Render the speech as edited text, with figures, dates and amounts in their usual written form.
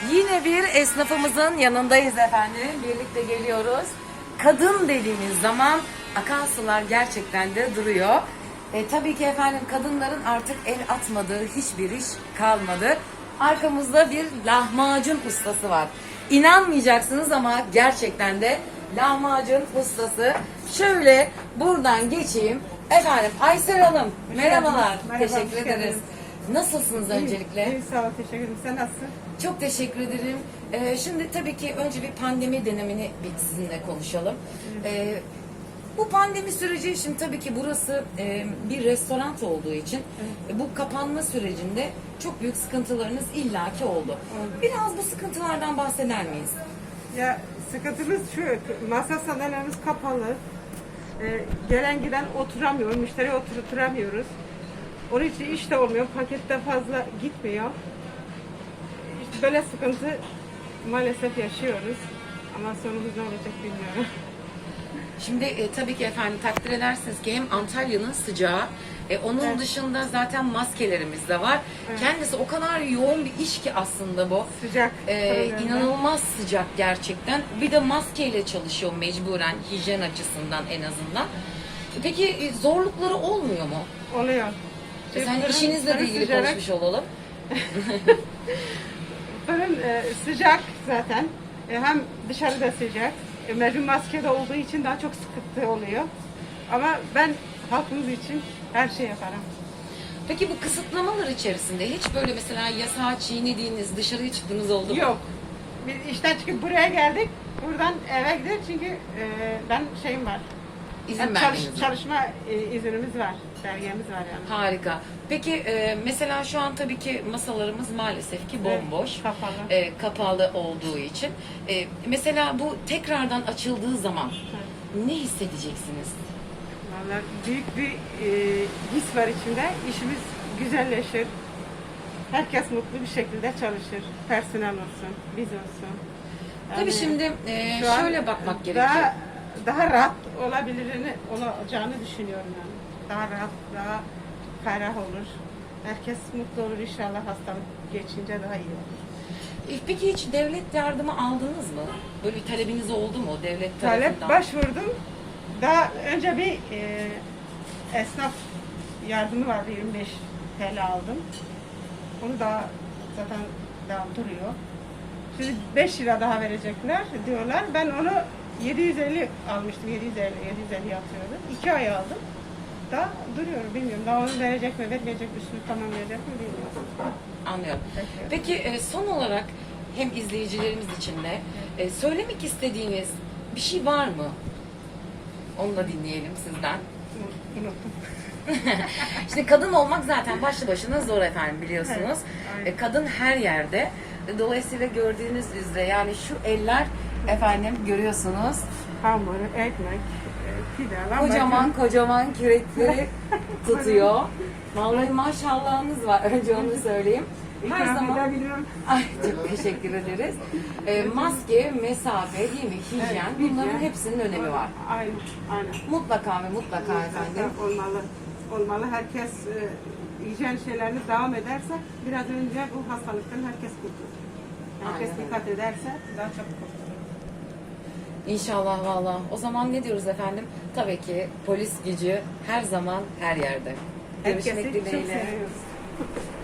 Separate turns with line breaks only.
Yine bir esnafımızın yanındayız efendim. Birlikte geliyoruz. Kadın dediğimiz zaman akan sular gerçekten de duruyor. Tabii ki efendim kadınların artık el atmadığı hiçbir iş kalmadı. Arkamızda bir lahmacun ustası var. İnanmayacaksınız ama gerçekten de lahmacun ustası. Şöyle buradan geçeyim. Efendim Aysel Hanım merhabalar.
Merhaba,
Teşekkür
hoş
ederiz.
geldiniz.
Nasılsınız öncelikle?
İyi, sağ ol, teşekkür ederim. Sen nasılsın?
Çok teşekkür ederim. Şimdi tabii ki önce bir pandemi dönemini bir sizinle konuşalım. Bu pandemi süreci, şimdi tabii ki burası bir restoran olduğu için bu kapanma sürecinde çok büyük sıkıntılarınız illaki oldu. Biraz bu sıkıntılardan bahseder miyiz?
Ya sıkıntımız şu, masa sandalyelerimiz kapalı. Gelen giden oturamıyor, müşteri oturtamıyoruz. Onun için iş de olmuyor, pakette fazla gitmiyor. İşte böyle sıkıntı maalesef yaşıyoruz. Ama sonumuz ne olacak bilmiyorum.
Şimdi tabii ki efendim takdir edersiniz ki hem Antalya'nın sıcağı, onun
Evet.
dışında zaten maskelerimiz de var.
Evet.
Kendisi o kadar yoğun bir iş ki aslında bu.
Sıcak.
İnanılmaz sıcak gerçekten. Bir de maskeyle çalışıyor mecburen hijyen açısından en azından. Peki zorlukları olmuyor mu?
Oluyor.
Sen işinizle de ilgili
sıcak.
konuşmuş olalım.
Fırın sıcak zaten. Hem dışarıda sıcak. Mecbur maskede olduğu için daha çok sıkıntı oluyor. Ama ben halkımız için her şey yaparım.
Peki bu kısıtlamalar içerisinde hiç böyle mesela yasağı çiğnediğiniz, dışarıya çıktığınız oldu mu?
Yok. Biz işten çıkıp buraya geldik. Buradan eve gidelim çünkü ben şeyim var.
İzin
Hem
verdiğiniz var.
çalışma iznimiz var. Belgemiz var yani.
Harika. Peki mesela şu an tabii ki masalarımız maalesef ki bomboş.
Evet, kapalı.
Kapalı olduğu için. Mesela bu tekrardan açıldığı zaman ne hissedeceksiniz?
Vallahi büyük bir his var içimde. İşimiz güzelleşir. Herkes mutlu bir şekilde çalışır. Personel olsun, biz olsun.
Tabii
Yani
şimdi
şu an
şöyle bakmak gerekiyor.
Daha rahat olacağını düşünüyorum yani. Daha rahat, daha ferah olur. Herkes mutlu olur inşallah, hastalık geçince daha iyi olur.
Peki hiç devlet yardımı aldınız mı? Böyle bir talebiniz oldu mu devlet
Talep
tarafından?
başvurdum. Daha önce bir esnaf yardımı vardı, 25 TL aldım. Onu da zaten daha duruyor. Şimdi 5 lira daha verecekler diyorlar. Ben onu 750 almıştım. 750 yatıyordu. 2 ay aldım. Daha duruyor, bilmiyorum. Daha onu verecek mi, vermeyecek mi, üstünü tamamlayacak mı bilmiyorum.
Anlıyorum.
Bekliyorum.
Peki son olarak hem izleyicilerimiz için de söylemek istediğiniz bir şey var mı? Onu da dinleyelim sizden.
Unuttum.
Şimdi kadın olmak zaten başlı başına zor efendim biliyorsunuz.
Evet, aynen.
Kadın her yerde. Dolayısıyla gördüğünüz üzere yani şu eller efendim görüyorsunuz.
Hamur, ekmek, pide,
Kocaman kocaman kürekleri tutuyor. Vallahi maşallahınız var. Önce onu söyleyeyim. Her zaman
biliyorum.
ay çok teşekkür ederiz. Maske, mesafe, değil mi? Hijyen.
Evet,
Bunların
hijyen.
hepsinin önemi var.
Aynen, aynen.
Mutlaka ve mutlaka efendim.
Olmalı. Olmalı. Herkes hijyen şeylerini devam ederse biraz önce bu hastalıktan herkes kurtulur. Herkes
Aynen öyle.
dikkat ederse daha çok kurtulur.
İnşallah valla. O zaman ne diyoruz efendim? Tabii ki polis gücü her zaman her yerde.
Herkesi
Görüşmek
çok
dileğiyle.
seviyoruz.